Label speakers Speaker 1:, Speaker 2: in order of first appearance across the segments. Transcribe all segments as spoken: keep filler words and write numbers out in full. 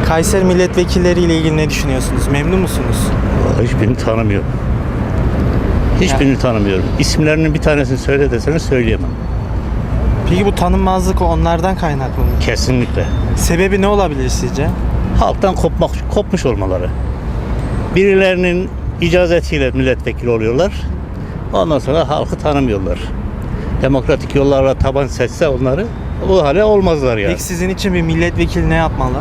Speaker 1: Kayseri milletvekilleriyle ilgili ne düşünüyorsunuz? Memnun musunuz?
Speaker 2: Vallahi hiçbirini tanımıyorum. Hiçbirini
Speaker 1: Ya.
Speaker 2: tanımıyorum. İsimlerinin bir tanesini söyle desene söyleyemem.
Speaker 1: Peki bu tanınmazlık onlardan kaynaklı mı?
Speaker 2: Kesinlikle.
Speaker 1: Sebebi ne olabilir sizce?
Speaker 2: Halktan kopmak, kopmuş olmaları. Birilerinin icazetiyle milletvekili oluyorlar. Ondan sonra halkı tanımıyorlar. Demokratik yollarla taban seçse onları bu hale olmazlar yani.
Speaker 1: Peki sizin için bir milletvekili ne yapmalı?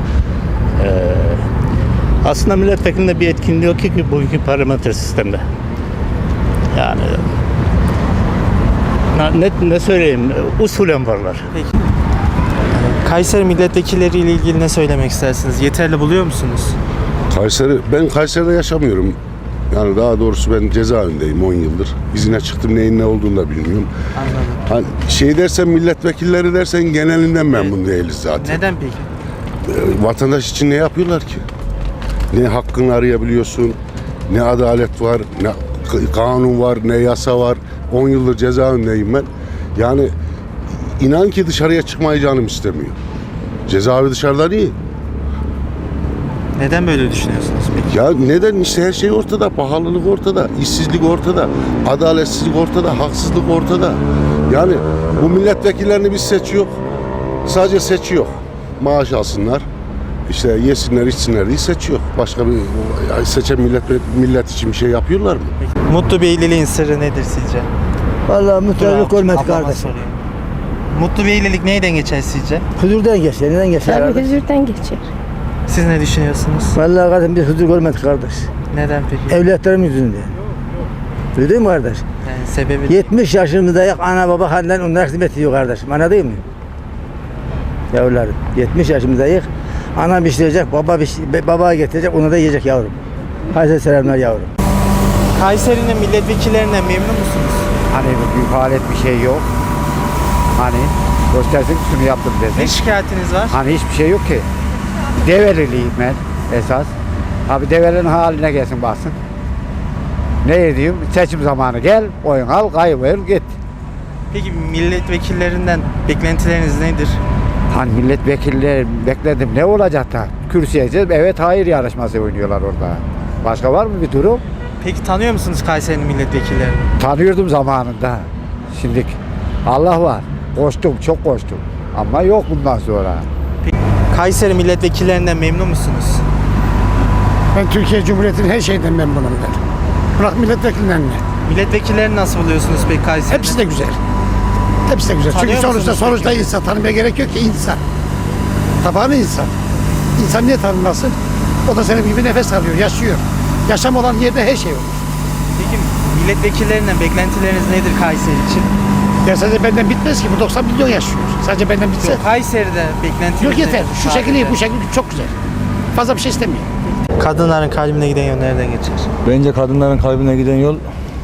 Speaker 2: Aslında milletvekilinde bir etkinliği yok ki, ki bugünkü parlamenter sistemde. Yani ne, ne söyleyeyim, usulen varlar.
Speaker 1: Peki. Kayseri milletvekilleriyle ilgili ne söylemek istersiniz? Yeterli buluyor musunuz?
Speaker 3: Kayseri, ben Kayseri'de yaşamıyorum. Yani daha doğrusu ben cezaevindeyim on yıldır. İzine çıktım, neyin ne olduğunu da bilmiyorum.
Speaker 1: Anladım.
Speaker 3: Hani şey dersen, milletvekilleri dersen genelinden memnun değiliz zaten.
Speaker 1: Neden peki?
Speaker 3: Ee, Vatandaş için ne yapıyorlar ki? Ne hakkını arayabiliyorsun, ne adalet var, ne k- kanun var, ne yasa var. on yıldır cezaevindeyim ben. Yani inan ki dışarıya çıkmayı canım istemiyor. Cezaevi dışarıdan iyi.
Speaker 1: Neden böyle düşünüyorsunuz peki?
Speaker 3: Ya neden? İşte her şey ortada, pahalılık ortada, işsizlik ortada, adaletsizlik ortada, haksızlık ortada. Yani bu milletvekillerini biz seçiyor, sadece seçiyor. Maaş alsınlar, işte yesinler, içsinler diye seçiyor. Başka bir ya seçen millet millet için bir şey yapıyorlar mı?
Speaker 1: Peki. Mutlu bir evliliğin sırrı nedir sizce?
Speaker 4: Vallahi mutluluk
Speaker 1: Dur,
Speaker 4: olmaz
Speaker 1: ablama
Speaker 4: kardeşim.
Speaker 1: sorayım. Mutlu bir evlilik neyden geçer sizce?
Speaker 4: Huzurdan geçer, neden geçer
Speaker 5: Tabii
Speaker 4: kardeş?
Speaker 5: huzurdan geçer.
Speaker 1: Siz ne düşünüyorsunuz?
Speaker 4: Vallahi kardeşim biz huzur görmedik kardeş.
Speaker 1: Neden peki?
Speaker 4: Evlatlarım yüzünden. Duydun mu kardeş?
Speaker 1: Yani sebebi
Speaker 4: yetmiş yaşımızdayız, ana baba halinden onlar hizmet ediyor kardeşim. Anladın mı? Yavrularım, yetmiş yaşımızdayız. Ana pişirecek, baba piş, baba getirecek, onu da yiyecek yavrum. Hayırlı selamlar yavrum.
Speaker 1: Kayseri'nin milletvekillerinden memnun musunuz?
Speaker 6: Hani büyük alet bir şey yok. Hani göstersin şunu yaptım
Speaker 1: Ne
Speaker 6: desin.
Speaker 1: şikayetiniz var?
Speaker 6: Hani hiçbir şey yok ki. Develiliyim ben esas. Abi develerin haline gelsin baksın. Ne edeyim? Seçim zamanı gel, oyun al, kaybol git.
Speaker 1: Peki milletvekillerinden beklentileriniz nedir?
Speaker 6: Hani milletvekilleri bekledim ne olacak da? Kürsüye gideceğiz, evet hayır yarışması oynuyorlar orada. Başka var mı bir durum?
Speaker 1: Peki tanıyor musunuz Kayseri'nin milletvekillerini?
Speaker 6: Tanıyordum zamanında. Şimdi Allah var. Koştum, çok koştum. Ama yok bundan sonra.
Speaker 1: Kayseri milletvekillerinden memnun musunuz?
Speaker 7: Ben Türkiye Cumhuriyeti'nin her şeyden memnunum ben. Bırak milletvekilinden ne?
Speaker 1: Milletvekillerini nasıl buluyorsunuz peki Kayseri'de?
Speaker 7: Hepsi de güzel. Hepsi de güzel.
Speaker 1: Tanıyor
Speaker 7: Çünkü sonuçta
Speaker 1: musunuz
Speaker 7: sonuçta
Speaker 1: peki?
Speaker 7: insan tanımaya gerek yok ki insan. Tabanı insan. İnsan niye tanınmasın? O da senin gibi nefes alıyor, yaşıyor. Yaşam olan yerde her şey olur.
Speaker 1: Peki milletvekillerinden beklentileriniz nedir Kayseri için?
Speaker 7: Ya sadece benden bitmez ki. Bu doksan milyon yaşıyor. Sadece benden bitse.
Speaker 1: Yok, Kayseri'de beklentiniz
Speaker 7: Yok yeter.
Speaker 1: nedir?
Speaker 7: Şu şekil iyi,
Speaker 1: Sadece.
Speaker 7: bu şekil çok güzel. Fazla bir şey istemiyor.
Speaker 1: Kadınların kalbine giden yol nereden geçer?
Speaker 8: Bence kadınların kalbine giden yol eee,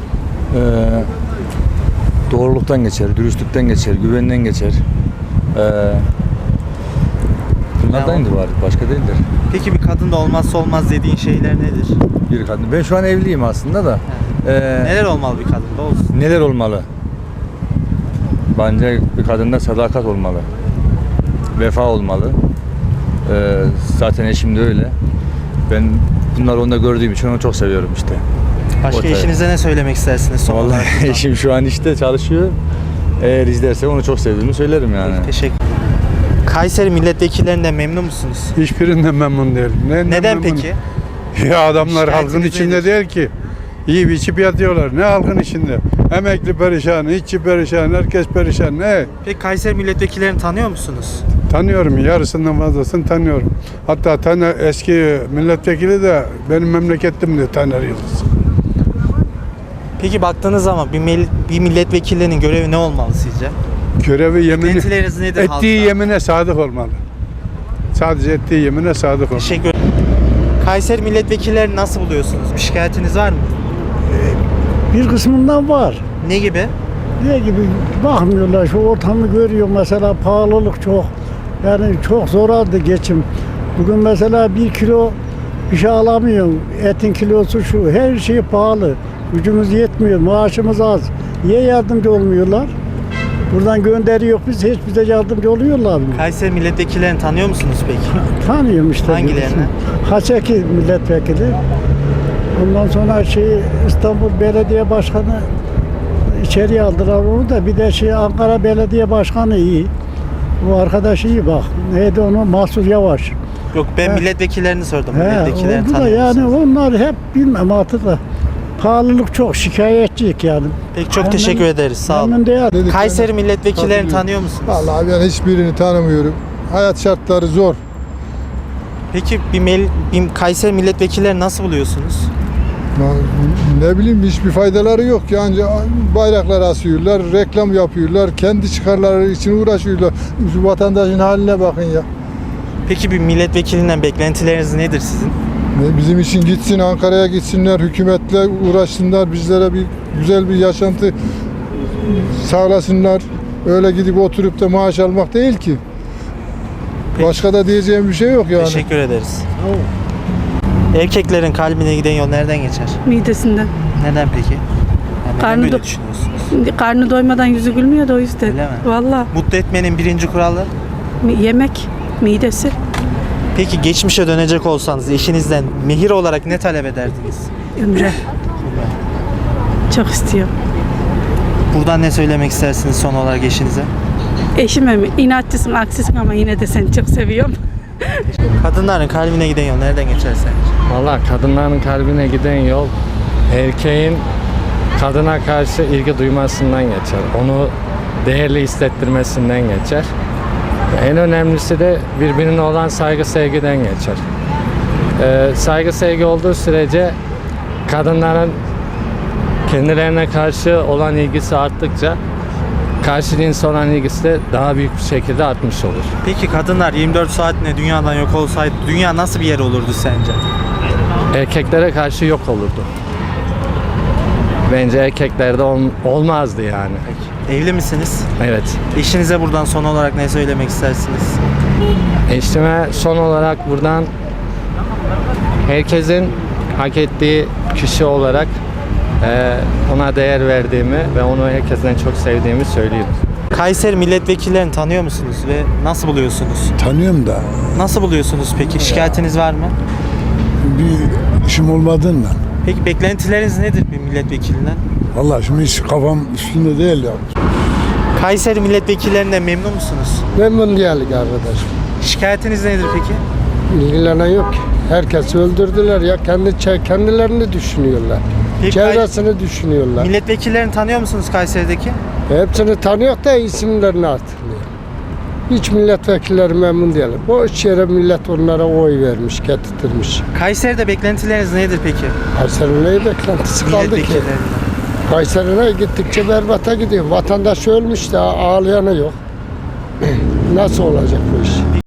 Speaker 8: doğruluktan geçer, dürüstlükten geçer, güvenden geçer. Eee bunlardandır bari, başka değildir.
Speaker 1: Peki bir kadında olmazsa olmaz dediğin şeyler nedir?
Speaker 8: Bir kadın. Ben şu an evliyim aslında da. Eee,
Speaker 1: Neler olmalı bir kadında olsun?
Speaker 8: neler olmalı? Bence bir kadında sadakat olmalı. Vefa olmalı. Eee, zaten eşim de öyle. Ben bunları onda gördüğüm için onu çok seviyorum işte.
Speaker 1: Başka
Speaker 8: Ortaya.
Speaker 1: eşinize ne söylemek istersiniz son olarak?
Speaker 8: Vallahi eşim şu an işte çalışıyor. Eğer izlerse onu çok sevdiğimi söylerim yani.
Speaker 1: Teşekkür. Kayseri milletvekillerinden memnun musunuz?
Speaker 9: Hiçbirinden memnun değilim. Ne,
Speaker 1: Neden
Speaker 9: memnun?
Speaker 1: peki?
Speaker 9: Ya adamlar
Speaker 1: Şikayetiniz
Speaker 9: halkın içinde
Speaker 1: nedir?
Speaker 9: değil ki. Yiyip içip yatıyorlar. Ne halkın içinde? Emekli perişan, işçi perişan, herkes perişan. Ne?
Speaker 1: Peki Kayseri milletvekillerini tanıyor musunuz?
Speaker 9: Tanıyorum. Yarısından fazlasını tanıyorum. Hatta Taner, eski milletvekili de benim memleketimdi, Taner Yıldız.
Speaker 1: Peki baktığınız zaman bir, mil- bir milletvekillerinin görevi ne olmalı sizce?
Speaker 9: Görevi yemini,
Speaker 1: Beklentileriniz nedir
Speaker 9: ettiği
Speaker 1: halktan?
Speaker 9: yemine sadık olmalı. Sadece ettiği yemine sadık olmalı.
Speaker 1: Teşekkür ederim. Kayseri milletvekillerini nasıl buluyorsunuz? Bir şikayetiniz var mı?
Speaker 10: Bir kısmından var.
Speaker 1: Ne gibi?
Speaker 10: Ne gibi bakmıyorlar, şu ortamı görüyor mesela, pahalılık çok. Yani çok zor aldı geçim. Bugün mesela bir kilo bir şey alamıyorum. Etin kilosu şu, her şey pahalı. Gücümüz yetmiyor, maaşımız az. Niye yardımcı olmuyorlar? Buradan gönderiyor biz, hiç bize yardımcı oluyorlar mı?
Speaker 1: Kayseri milletvekillerini tanıyor musunuz peki?
Speaker 10: Tanıyorum işte.
Speaker 1: Hangilerini?
Speaker 10: Haçeki milletvekili. Ondan sonra şey İstanbul Belediye Başkanı içeriye aldılar onu da, bir de şey Ankara Belediye Başkanı iyi. Bu arkadaş iyi bak. Neydi onu? Mahsur Yavaş.
Speaker 1: Yok, ben
Speaker 10: He.
Speaker 1: milletvekillerini sordum.
Speaker 10: He,
Speaker 1: Milletvekillerini
Speaker 10: oldu da
Speaker 1: tanıyor
Speaker 10: yani
Speaker 1: musunuz?
Speaker 10: onlar hep bilmem artık da. Pahalılık çok, şikayetçiyik yani.
Speaker 1: Peki, çok
Speaker 10: Memnun-
Speaker 1: teşekkür ederiz. Sağ olun.
Speaker 10: Memnun değil.
Speaker 1: Kayseri milletvekillerini
Speaker 9: Tanıyorum.
Speaker 1: tanıyor musunuz?
Speaker 9: Vallahi ben hiçbirini tanımıyorum. Hayat şartları zor.
Speaker 1: Peki bir, mel- bir Kayseri milletvekillerini nasıl buluyorsunuz?
Speaker 9: Ne bileyim, hiçbir faydaları yok. Yani bayraklar asıyorlar, reklam yapıyorlar, kendi çıkarları için uğraşıyorlar. Şu vatandaşın haline bakın ya.
Speaker 1: Peki bir milletvekilinden beklentileriniz nedir sizin?
Speaker 9: Ne, Bizim için gitsin, Ankara'ya gitsinler, hükümetle uğraşsınlar, bizlere bir güzel bir yaşantı sağlasınlar. Öyle gidip oturup da maaş almak değil ki.
Speaker 1: Peki.
Speaker 9: Başka da diyeceğim bir şey yok yani.
Speaker 1: Teşekkür ederiz. Erkeklerin kalbine giden yol nereden geçer?
Speaker 5: Midesinden.
Speaker 1: Neden peki? Yani neden
Speaker 5: Karnı
Speaker 1: böyle
Speaker 5: do-
Speaker 1: düşünüyorsunuz?
Speaker 5: Karnı doymadan yüzü gülmüyor da o yüzden.
Speaker 1: Öyle mi?
Speaker 5: Valla
Speaker 1: Mutlu etmenin birinci kuralı.
Speaker 5: yemek, midesi.
Speaker 1: Peki geçmişe dönecek olsanız eşinizden mehir olarak ne talep ederdiniz?
Speaker 5: Ömre. Çok istiyor.
Speaker 1: Buradan ne söylemek istersiniz son olarak eşinize?
Speaker 5: Eşime mi? İnatçısın, aksisin ama yine de seni çok seviyorum.
Speaker 1: Kadınların kalbine giden yol nereden geçer sence?
Speaker 11: Valla kadınların kalbine giden yol erkeğin kadına karşı ilgi duymasından geçer. Onu değerli hissettirmesinden geçer. En önemlisi de birbirine olan saygı sevgiden geçer. Ee, saygı sevgi olduğu sürece kadınların kendilerine karşı olan ilgisi arttıkça karşı cinse olan ilgisi de daha büyük bir şekilde artmış olur.
Speaker 1: Peki kadınlar yirmi dört saatine dünyadan yok olsaydı dünya nasıl bir yer olurdu sence?
Speaker 11: Erkeklere karşı yok olurdu. Bence erkeklerde ol- olmazdı yani.
Speaker 1: Evli misiniz?
Speaker 11: Evet.
Speaker 1: Eşinize buradan son olarak ne söylemek istersiniz?
Speaker 11: Eşime son olarak buradan herkesin hak ettiği kişi olarak eee, ona değer verdiğimi ve onu herkesten çok sevdiğimi söylüyorum.
Speaker 1: Kayseri milletvekillerini tanıyor musunuz ve nasıl buluyorsunuz?
Speaker 9: Tanıyorum da
Speaker 1: Nasıl buluyorsunuz peki? Şikayetiniz var mı?
Speaker 9: bir işim olmadığından.
Speaker 1: Peki beklentileriniz nedir bir milletvekilinden?
Speaker 9: Vallahi şimdi hiç kafam üstünde değil ya.
Speaker 1: Kayseri milletvekillerinden memnun musunuz?
Speaker 10: Memnun değilik arkadaşım.
Speaker 1: Şikayetiniz nedir peki?
Speaker 10: İlgilenen yok ki. Herkesi öldürdüler ya. Kendi kendilerini düşünüyorlar.
Speaker 1: Peki,
Speaker 10: Çevresini düşünüyorlar.
Speaker 1: milletvekillerini tanıyor musunuz Kayseri'deki?
Speaker 10: Hepsini tanıyor da isimlerini hatırlıyor. Hiç milletvekilleri memnun değil. Boş yere millet onlara oy vermiş, getirtmiş.
Speaker 1: Kayseri'de beklentileriniz nedir peki?
Speaker 10: Kayseri'nin neyi beklentisi kaldı ki?
Speaker 1: Milletvekillerinden.
Speaker 10: Kayseri'ne gittikçe berbata gidiyor. Vatandaş ölmüş de ağlayanı yok. Nasıl olacak bu iş?